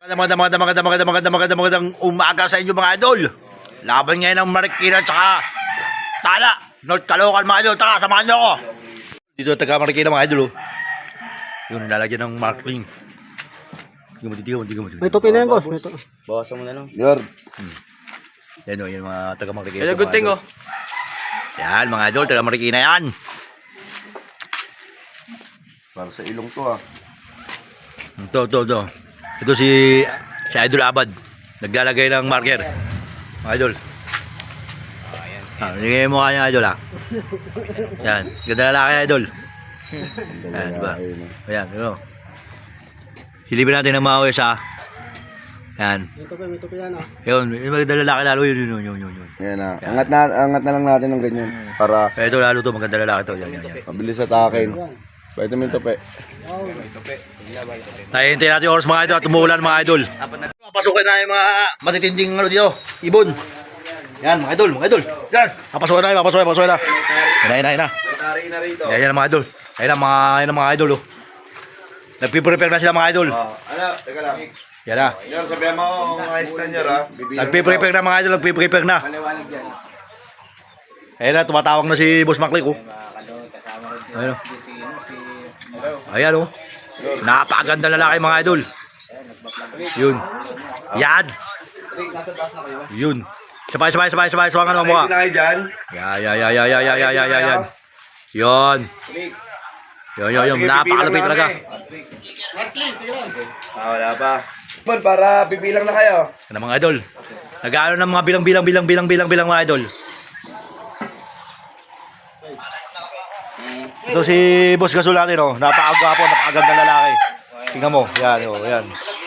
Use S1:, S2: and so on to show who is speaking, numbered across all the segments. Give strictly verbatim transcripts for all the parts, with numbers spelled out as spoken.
S1: Magandang magandang magandang magandang magandang magandang magandang umaga sa inyo mga idol. Laban ngayon ng Marikina at saka Tala, North Caloocan mga idol. Taka, samahan nyo ako. Dito taga Marikina mga idol. Oh. Yun, nilalagyan ng marking. Hindi mo, hindi mo, hindi mo.
S2: May tupi na yan, boss. May tupi.
S3: Bawasan mo na lang.
S2: Yor.
S1: Hmm. Yan o, yan mga taga Marikina.
S3: Hello, good thing oh.
S1: Yan mga idol, taga Marikina yan.
S2: Para sa ilong to ah.
S1: Ito, ito, ito. Ito si, si Idol Abad. Naglalagay ng marker. Mga idol. Ah, nilagay mo kanya idol ah. Yan. Ganda lalaki idol. Yan, diba? Ayan, diba? Silipin natin ng maawis ah. Yan.
S2: May tupi, may tupi yan ah.
S1: Yun, yung maganda lalaki lalo yun, yun, yun, yun, yun.
S2: Yan ah. Angat na, angat na lang natin ng ganyan. Para
S1: Ito lalo to, maganda lalaki to. Yan, yan, yan.
S2: mabilis atakin. Pwede mo yung tupi.
S1: Nahihintay natin yung oras mga idol at umuulan mga idol. Papasukin na yung mga matitinding ano dito. Ibon. Yan mga idol, mga idol. Yan. Papasukin na, papasukin, papasukin na. Yan na, yan na. Yan, yan mga idol. Yan na mga, yan na mga idol. Oh. Nagpiprepare na sila mga idol.
S2: Oh, ano, teka lang.
S1: Yan na.
S2: Yan, sabihan mo kung mga stand ha.
S1: Nagpiprepare na mga idol, nagpiprepare na. Ayan na, tumatawag na si Boss Maclick. Oh. Ayan o. Ayan o. Napakaganda lalaki mga idol. Yun. Yan. Yun. Sabay, sabay, sabay, sabay, sabay, ano mo ka? Ya, ya, ya, ya, ya, ya, ya, ya, ya, yan. Yun. Yun, yun, yun. Napakalupit talaga.
S2: Ah, wala pa. Bon, para bibilang na kayo.
S1: Ano mga idol? Nag-aano ng mga bilang, bilang, bilang, bilang, bilang, bilang mga idol. Ito si Boss Gasol natin, oh. Napakagwapo, napakaganda lalaki. Tingnan mo, yan, oh, yan.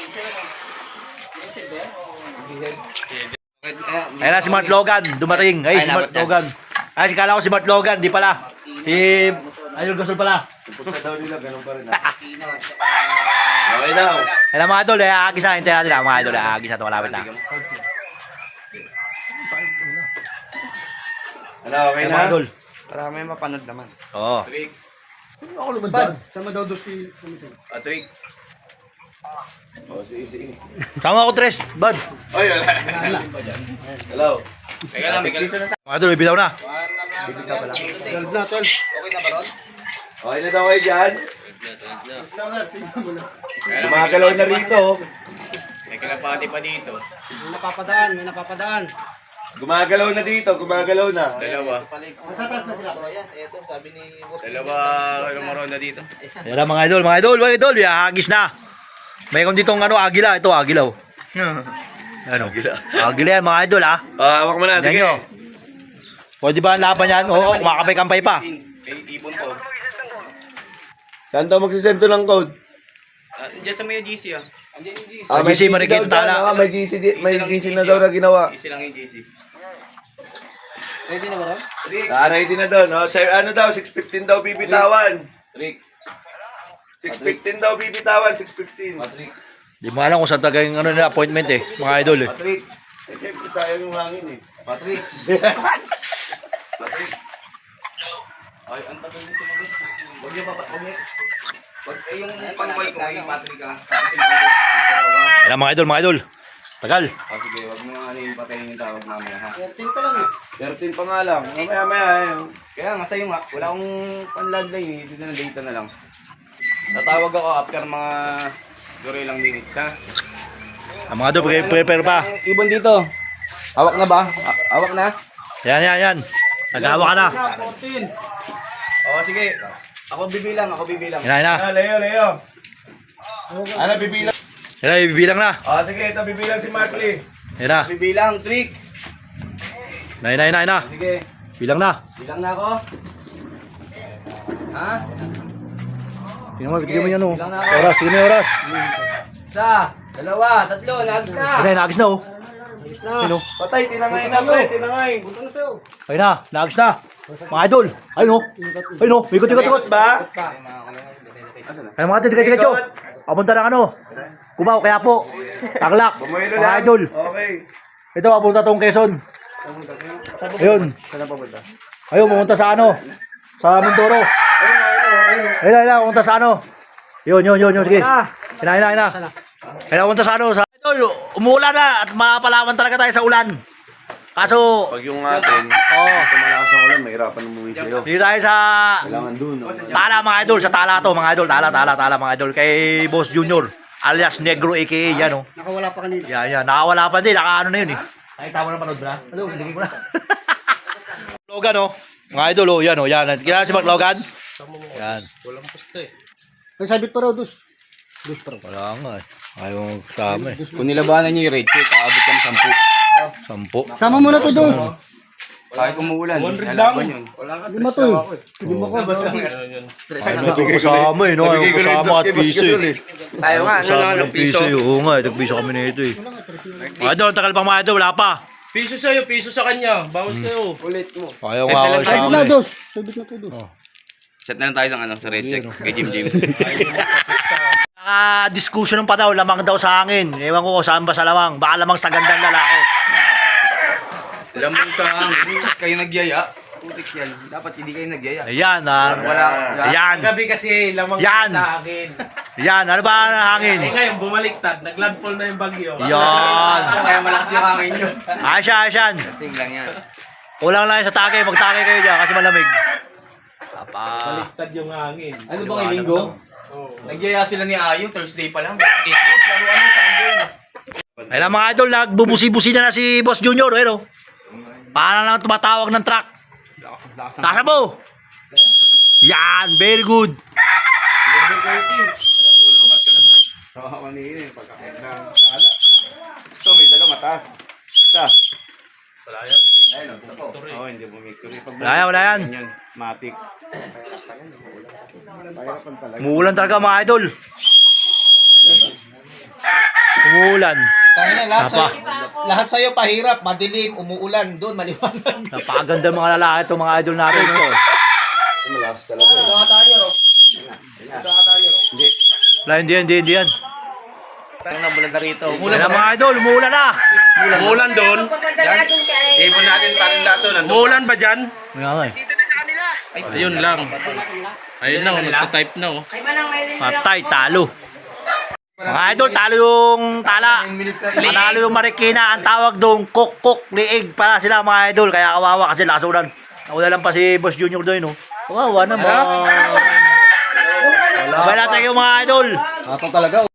S1: Ayan na si Mart Logan, dumating. Ay, si Mart Logan. Ay, si kala ko si Mart Logan, di pala. Si Idol Gasol pala.
S2: Pusa daw nila, ganun pa rin ah. Okay daw.
S1: Ayan na mga idol, eh, aagis na, hintayin natin na mga idol, eh, aagis na ito, malapit na.
S2: Ano, okay
S1: Ayan
S2: na?
S1: mga idol.
S3: Para may mapanood naman.
S1: Oo.
S2: Trick.
S4: Ako naman dyan. Sama daw doon si...
S2: Ah, trick. Oh, sige, sige.
S1: Tama ako, Tres, bud.
S2: Oy, wala. Hello.
S3: Teka lang, may kaliso na tayo.
S1: Mga idol, ibilaw na.
S4: twelve na, twelve.
S3: Okay na ba ron?
S2: Okay na daw kayo dyan.
S4: Lang nga, tingnan mo lang.
S2: Gumagalaw na rito.
S3: May kalapati pa dito.
S4: May napapadaan, may napapadaan.
S2: Gumagalaw na dito, gumagalaw na.
S3: Dalawa.
S4: Nasa taas na sila.
S3: Dalawa, lumaron na dito.
S1: Ayan na mga idol, mga idol, mga idol, ahagis na. Mayroon ditong ano, agila, ito agila. Oh. Ano? Agila yan mga idol ah.
S2: Ah, hawak mo na,
S1: Yan
S2: sige.
S1: nyo. Pwede ba ang laban yan? Oo, kumakampay-kampay pa.
S3: May ibon po.
S2: Saan daw magsisend to ng code?
S3: Ah, diyan sa may G C ah. Andiyan yung G C.
S2: Ah,
S1: G C, Marikina,
S2: daw dyan,
S1: Tala.
S2: ah, may G C, di- may
S3: lang
S2: G C
S3: yung
S2: na daw na ginawa.
S3: G C lang yung G C. Ready na ba ron?
S2: Ah, ready na doon. Oh, sa, ano daw, six fifteen daw bibitawan.
S3: Trick.
S2: six fifteen daw bibitawan, six fifteen.
S3: Patrick.
S1: Di mo alam kung saan taga yung ano nila, appointment eh, mga idol eh.
S2: Patrick. Eh, siyempre sayang yung hangin eh.
S3: Patrick. Patrick. Ay, ang tagal nito mga gusto. Huwag niyo pa, huwag niyo. Huwag eh, yung pang-call ko kay Patrick ah. Kasi
S1: Ayan na, mga idol, mga idol. Tagal.
S3: Ah, sige, huwag mo ano yung patayin yung tawag mamaya ha.
S4: thirteen pa lang eh.
S2: thirteen pa nga lang. Mamaya, maya. Eh.
S3: Kaya nga sa'yo nga, wala akong panladlay eh. Dito na data na lang. Tatawag ako after mga siguro ilang minutes ha.
S1: Ang mga idol, pre- prepare pa.
S3: Eh, ibon dito. Hawak na ba? Ha- Hawak na?
S1: Yan, yan, yan. Nag-awa ka na.
S4: Na, fourteen.
S3: Oo, sige. Ako bibilang, ako bibilang.
S1: Yan na, yan na.
S2: Ah, Leo, Leo. Ano, bibilang?
S1: Yan na, ibibilang na.
S2: Ah, sige, ito bibilang si Markley.
S1: Yan na.
S3: Bibilang, trick.
S1: Na, yan na, yan na, yan na.
S3: Sige,
S1: Bilang na.
S3: bilang na ako. Ha?
S1: Tingnan mo, tingnan mo yan oh.
S3: Bilang na ako.
S1: Oras, tingnan mo yung oras.
S3: Isa, dalawa, tatlo, nagis na.
S1: Yan na, naagis na oh.
S4: Na.
S1: Ayun oh.
S2: Patay, tinangay na, pre, tinangay.
S4: Punta na sa'yo.
S1: Ayun na, naagis na. Mga idol. Ayun oh. Ayun oh, ikot, ikot, ikot.
S2: Ba?
S1: Ayun mga idol, tigat, tigat, tigat. Papunta ng ano. Cubao, kaya po. Taglak.
S2: Bumuelo
S1: Mga
S2: lang.
S1: idol.
S2: Okay.
S1: Ito, papunta tong Quezon. Ayun. Ayun, pumunta sa ano. Sa Mindoro. Ayun, ayun, pumunta sa ano. Yun, yun, yun, yun, sige. Ayun na, ayun na, ayun na. Ayun na, pumunta sa ano, sa umuulan na at mapalawan talaga tayo sa ulan. Kaso,
S2: Pag yung atin,
S1: oh,
S2: ito malakas ang ulan, mahirapan umuwi sa'yo.
S1: dito tayo sa
S2: Kailangan dun, no?
S1: Tala mga idol, sa Tala to mga idol, Tala, Tala, Tala mga idol. Kay Boss Junior, alias Negro A K A, yan oh.
S4: Nakawala pa kanina.
S1: Yan, yan, nakawala pa din, nakaano na yun eh. Nakita mo na panood ba? Ano, hindi ko na. Logan oh, mga idol oh, yan oh, yan. Kilala si Mark Logan? Yan.
S4: Ay, sabit pa raw, dos. Dos pa raw.
S1: Wala nga eh. Ayaw kasama eh.
S3: Kung nilabanan niyo yung red check, aabot kami sampu.
S1: Sampo.
S4: Sama mo na to, dos.
S3: Kahit umuulan, lalaban yun.
S4: Lima to eh. Lima ko.
S1: Ayaw na ito kasama eh, no? Ayaw kasama at piso eh.
S3: Tayo nga, ano
S1: Kasama
S3: lang,
S1: ng piso eh. Oo nga, nagpiso kami na ito eh. Mga idol, ang tagal pang mga idol, wala pa.
S5: Piso sa'yo, piso sa kanya. Bawas kayo.
S3: Ulit mo.
S1: Ayaw nga ako
S4: Sabit
S1: kasama
S4: na,
S1: eh.
S4: dos. Sabit na to, dos.
S3: Set na lang tayo sa, ano, sa red check kay Jim Jim.
S1: Naka-discussion pa daw, lamang daw sa hangin. Ewan ko kung saan ba sa lamang. Baka lamang sa gandang lalaki.
S3: Lamang sa hangin, kayo nagyaya. Putik yan. Dapat hindi kayo nagyaya.
S1: Ayan, ah.
S3: Wala.
S1: Ayan.
S5: Gabi kasi lamang
S1: Yan.
S5: sa akin.
S1: Ayan, ano ba ang
S5: Eh
S1: hangin?
S5: ngayon, bumaliktad. Naglandfall na yung bagyo.
S1: Yan.
S3: Kaya malakas yung hangin nyo.
S1: Asya, asyan.
S3: Sing lang yan.
S1: Kulang lang sa take. Magtake kayo dyan kasi malamig. Apa.
S5: Baliktad yung hangin.
S3: Ano bang ilinggo? Nagyaya sila ni Ayo, Thursday pa lang.
S1: Ayun mga idol, nagbubusi-busi na na si Boss Junior. Ayun, oh. Paano lang tumatawag ng truck? Tasa mo! Yan, very good.
S3: Ito, may dalawa mataas. Isa. Wala yan. Ayun, ito po. Oo, hindi bumikuri.
S1: Wala yan, wala yan.
S3: Yan, matik.
S1: Umuulan talaga mga idol. Umuulan.
S6: Tayo na, lahat
S1: Apa.
S6: sa'yo, lahat sa'yo pahirap, madilim, umuulan, doon, maliwanag.
S1: Napakaganda mga lalaki itong mga idol natin. So.
S2: Malakas talaga.
S6: Ito ata nyo, Ro. Ito ata nyo, Ro.
S1: Wala, hindi yan, hindi, hindi yan.
S3: Parang nabulan na rito.
S1: Ayun na mga idol, umuulan na.
S5: Umuulan doon.
S3: Ibon natin parang dato.
S5: Umuulan ba dyan?
S1: Nga nga eh.
S5: Ayun lang. Ayun na, oh, nagtatype na oh.
S1: Patay, talo. Mga idol, talo yung tala. Panalo yung Marikina. Ang tawag doon, kok-kok, liig para sila mga idol. Kaya kawawa kasi lasunan. Nauna lang pa si Boss Junior doon, no? Kawawa naman. Sabay natin kayo mga idol.
S4: Ato talaga.